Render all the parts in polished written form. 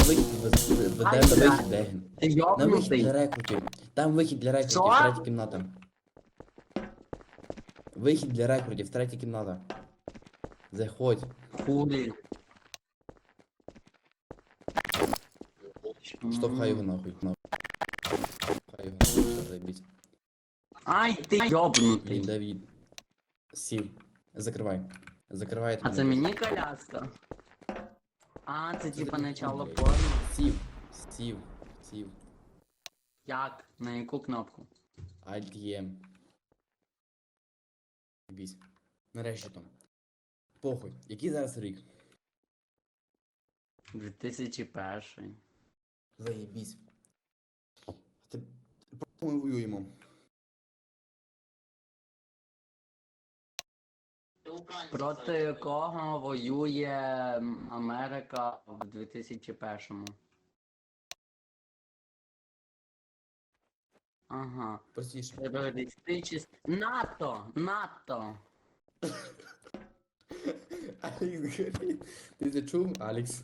Веде на вихід, де він? Ти На вихід для йобнутий. рекрутів. Там вихід для рекрутів, Що? третя кімната. Вихід для рекрутів, третя кімната. Заходь. Хулі. Штовхай його нахуй. Штовхай його нахуй, все, заєбісь. Ай, ти Блін, йобнутий. Давід. Сів. Закривай. Закривай. А це мені коляска? А, це Це типа ти начало блядь. порно. Сів. Сів. Сів. Як? На яку кнопку? Alt-E. Заєбісь. Нарешті там. Похуй. Який зараз рік? 2001. Заєбісь. Ти... Проти ми воюємо. Проти кого воює Америка в 2001-му? Ага. Простіше. Терористичні... НАТО! НАТО! Алекс говорить. Ти це чув, Алекс?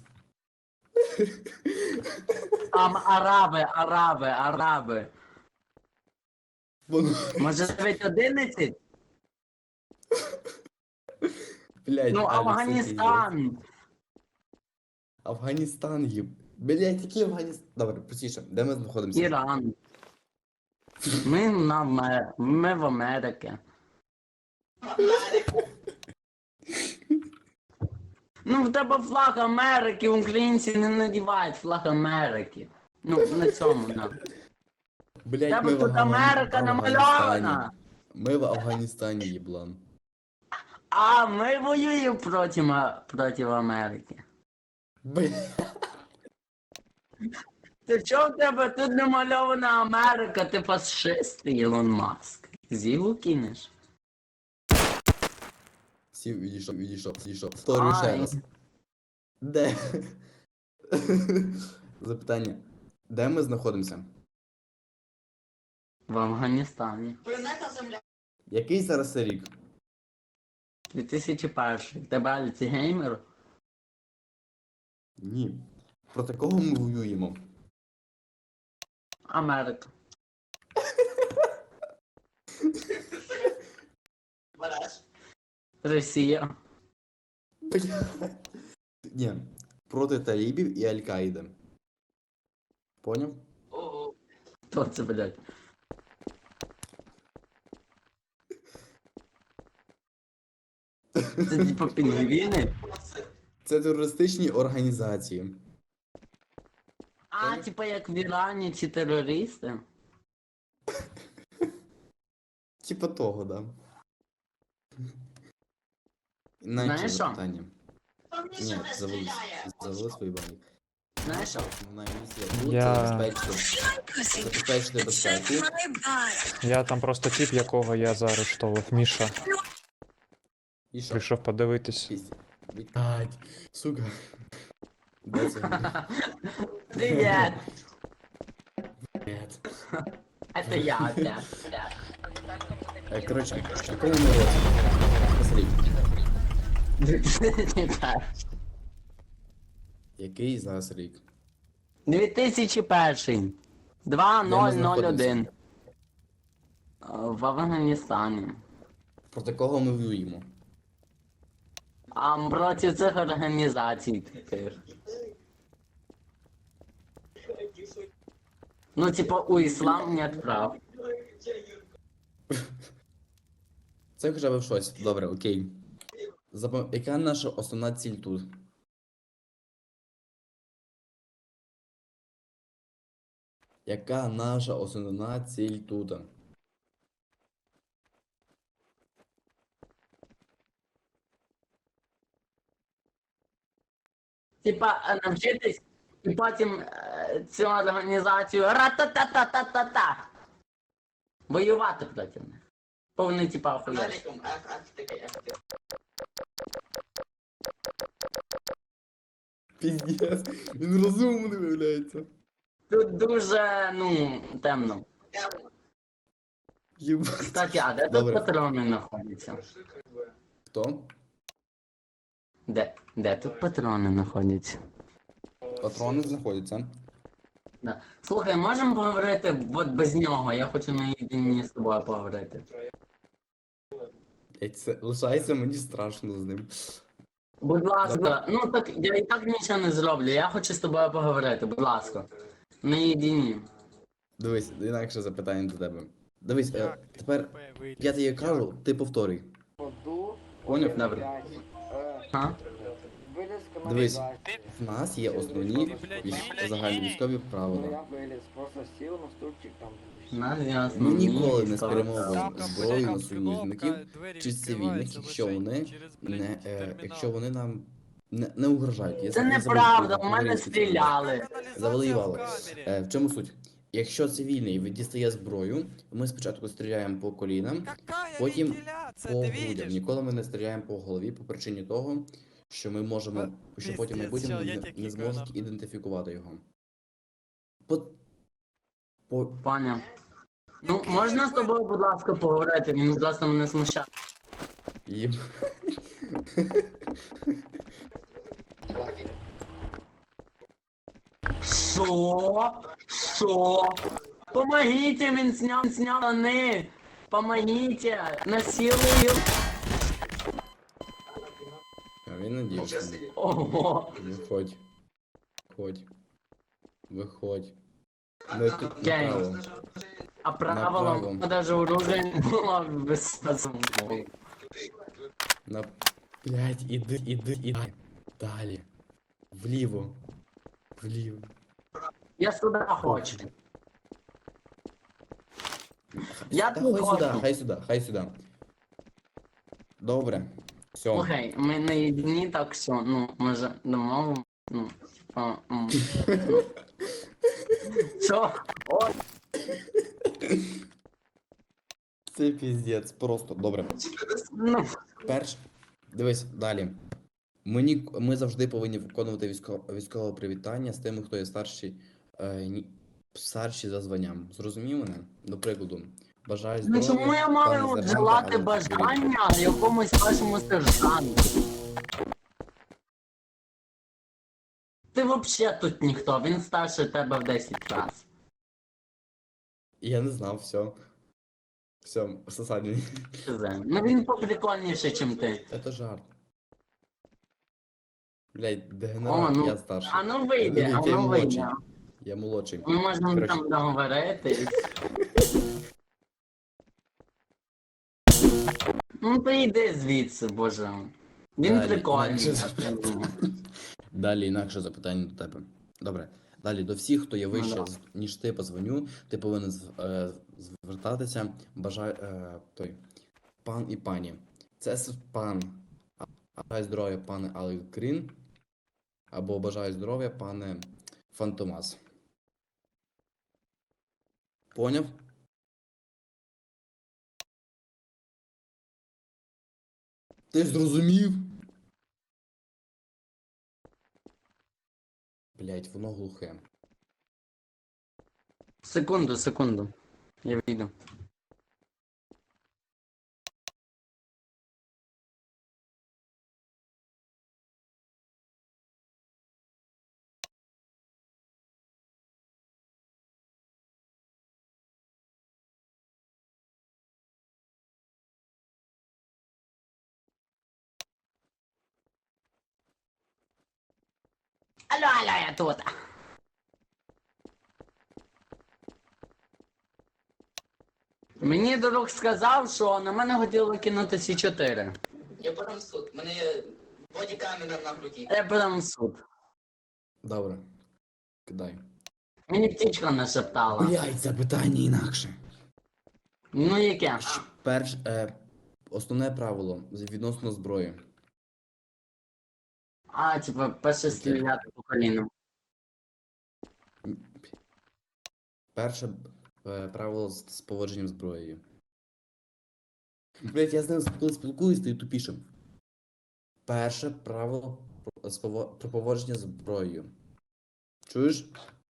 Араби! Воно... Може навіть 11? Блядь, Ну, Алекс, Афганістан! Афганістан їб. Блядь, який Афганістан? Добре, простіше. Де ми знаходимося? Іран. Ми в Америці. Ну, в тебе флаг Америки, українці не надівають флаг Америки. Ну, на цьому, на. Блядь, Тебе ми в тут Америка Афганістані. намальована! Ми в Афганістані, їблан. А ми воюємо проти Америки. Блядь. Ти чого в тебе тут намальована Америка? Ти фашист, Ілон Маск. Зігу кинеш? Сів, відійшов. Повторюю ще Ай. раз. Де? Запитання. Де ми знаходимося? В Афганістані. Який зараз це рік? 2001. Тебе альцгеймер? Ні. Проти кого ми воюємо? Америка. Росія. Блядь. Ні. Проти талібів і Аль-Каїди. Поняв? Хто це, блядь? Це типа пінгвіни? Це терористичні організації. А, типа як в Ірані ці терористи? Типа того, да. Інакше Знаєш що? запитання. Ні, завели свої банки. Знаєш що? Основна місія тут Я- забезпечити безпеку. Я там просто тип, якого я заарештовував, Міша. І що? Прийшов подивитись. Блядь, сука. Де це? Привет! Блядь. Это я, да. Коротше, в якому ми році? Посмотри. Який зараз рік? 2001. Де ми 2001. В Афганістані. Проти кого ми воюємо? А проти цих організацій таких. Ну, типа, у іслам нет прав. Це хоча б в щось. Добре, окей. Яка наша основна ціль тут? Яка наша основна ціль тут? Типа, навчитись і потім цю організацію ра-та-та-та-та-та-та. Воювати проти них. Повний типа охуєш. Піздец, він розумний виявляється. Тут дуже, ну, темно. Єбать. Кстати, а де тут Добре. патрони знаходяться? Хто? Де тут патрони знаходяться? патрони знаходяться. Да. Слухай, можемо поговорити от без нього, я хочу наєдині з тобою поговорити. Це лишається мені страшно з ним. Будь ласка, ну так я і так нічого не зроблю, я хочу з тобою поговорити, будь ласка. Наєдині. Дивись, інакше запитання до тебе. Дивись, тепер виліз? я тобі кажу, ти повторюй. Поняв? Добре. А? Виліз Дивись. каналізації. В нас є основні загальновійськові правила. Я виліз, просто сів на стульчик там. Нас ясно. Ми ніколи не військові спрямовуємо правила. зброю на союзників чи цивільних, якщо вони якщо вони нам не угрожають. Це Я неправда, забув у мене українську цю мову. стріляли. Завоювали. В чому суть? Якщо цивільний дістає зброю, ми спочатку стріляємо по колінам, потім по грудям. Ніколи ми не стріляємо по голові по причині того, що ми можемо, що потім в Пиздець, майбутньому що, я не тільки зможуть казав. ідентифікувати його. По... Паня. Ну, можна з тобою, будь ласка, поговорити? Він, будь ласка, мене смущає. Їм. Що? Що? Помогите, він сняв штани. Помогите, насилую. А він надіявся. Ого. Виходь. Виходь. Виходь. Не тут Окей. направо. А правило, Направо. даже оружие не було без На... Блять, іди. Далі. Вліво. Вліво. Я сюди хочу. Я Та тут хай сюди, хочу. хай сюди, хай сюди. Добре. Все. Слухай, ми не єдині, так що, ну, може, домовимо, ну, типа, що? О, Це піздець, просто добре. ну, Дивись, далі. Ми завжди повинні виконувати військове привітання з тими, хто є старші за званням. Зрозумів мене? До прикладу, бажаю ну здоров'я. чому я пане маю сержанте, желати але бажання якомусь вашому сержанту? Ти вообще тут ніхто, він старше тебе в 10 разів. Я не знав, все. Все, сосадні. Ну він поприкольніший, ніж ти. Це жарт. Блять, О, дегенерат, ну, я старший. а ну вийде, Ні, а ти ну молодший. вийде. Я молодший. Ми можемо Коротше. там договорити. Ну ти йди звідси, боже. Він Далі, прикольний. інакше я думаю. Далі інакше запитання до тебе. Добре. Далі до всіх, хто є вище, да. ніж ти позвоню, ти повинен звертатися. Той пан і пані. Це пан. Бажаю здоров'я, пане Алекс Грін. Або бажаю здоров'я, пане Фантомас. Поняв? Ти зрозумів? Блять, воно глухе. Секунду. Я вийду. Алло, я тут. Мені друг сказав, що на мене хотіли кинути С4. Я подам в суд. Мене є бодікамера на груді. Я подам в суд. Добре. Кидай. Мені птічка нашептала. Блять, запитання інакше. Ну яке? Основне правило відносно зброї. А, типа, перше стріляти по колінам. Перше правило з поводженням зброєю. Блять, я з ним коли спілкуюсь, стаю тупішим. Перше правило про поводження зброєю. Чуєш?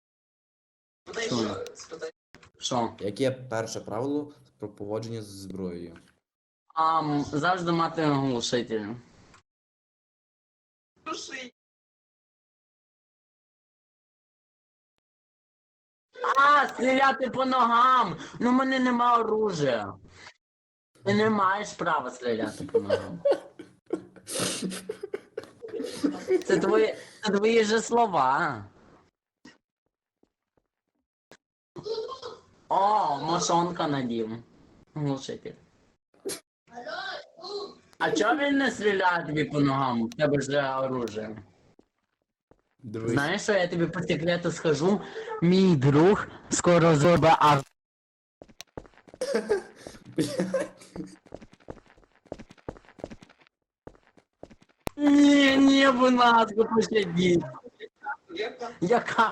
Спитай. Що? Яке перше правило про поводження з зброєю? Завжди мати глушитель. Души. А, стріляти по ногам! Ну, в мене нема оружия. Ти не маєш права стріляти по ногам. Це твої же слова. О, мошонка надів. Глушитель. А чого він не стріляє тобі по ногам? У тебе ж оружие. Дивись. Знаєш, що я тобі по секрету скажу? Мій друг скоро зробить Ні, будь ласка, пощадіть. Яка?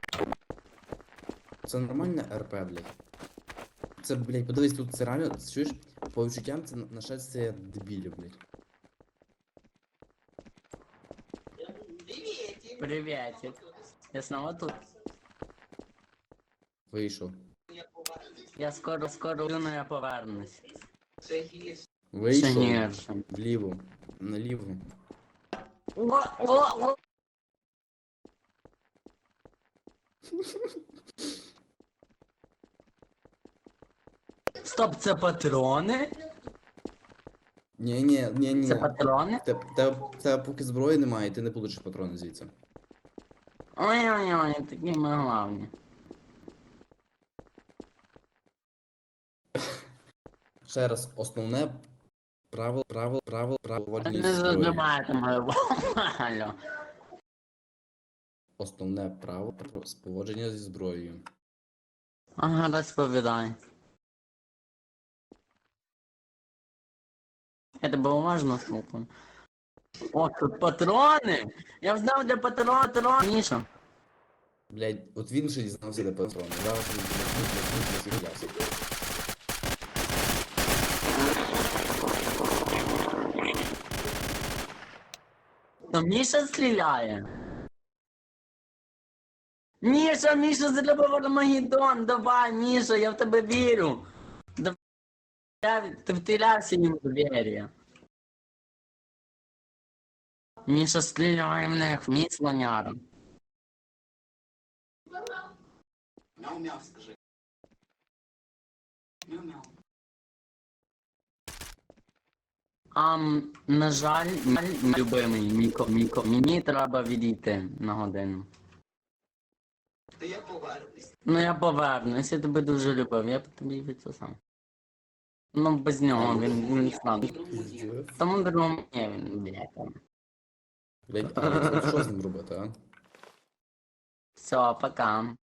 Це нормальне РП, блядь. Це, блядь, подивись, тут це реально, чуєш, по відчуттям це нашествие дебілів, блядь. Приветик. Я снова тут. Вийшов. Я скоро, но я повернусь. Ще Вийшов. гірше. Вліво. Наліво. О. Стоп, це патрони? Ні. Це патрони? Тебе поки зброї немає, ти не получиш патрони звідси. Ой-ой-ой, такі ми главні. Ще раз, основне правило поводження Не зі зброєю. задавайте мою алло. Основне право поводження зі зброєю. Ага, розповідай. Я тебе уважно слухаю. О, тут патрони! Я знав, де патрон, Міша. Блядь, от він ще дізнався, де патрони. Зараз він з'являвся. То Міша стріляє. Міша, зробив Армагеддон, давай, Міша, я в тебе вірю. Ти втілявся їм в двері. Міша стріляє в них, мій слоняра. Мяу-мяу, скажи. Мяу-мяу. На жаль, любимий Міко, мені треба відійти на годину. Та я повернусь. Ну я повернусь, я тебе дуже любив, я б тобі від це сам. Ну без нього він стане. Пиздец. Тому другому ні, він, блядь, там. Блядь, а що з ним робити, а? Все, пока.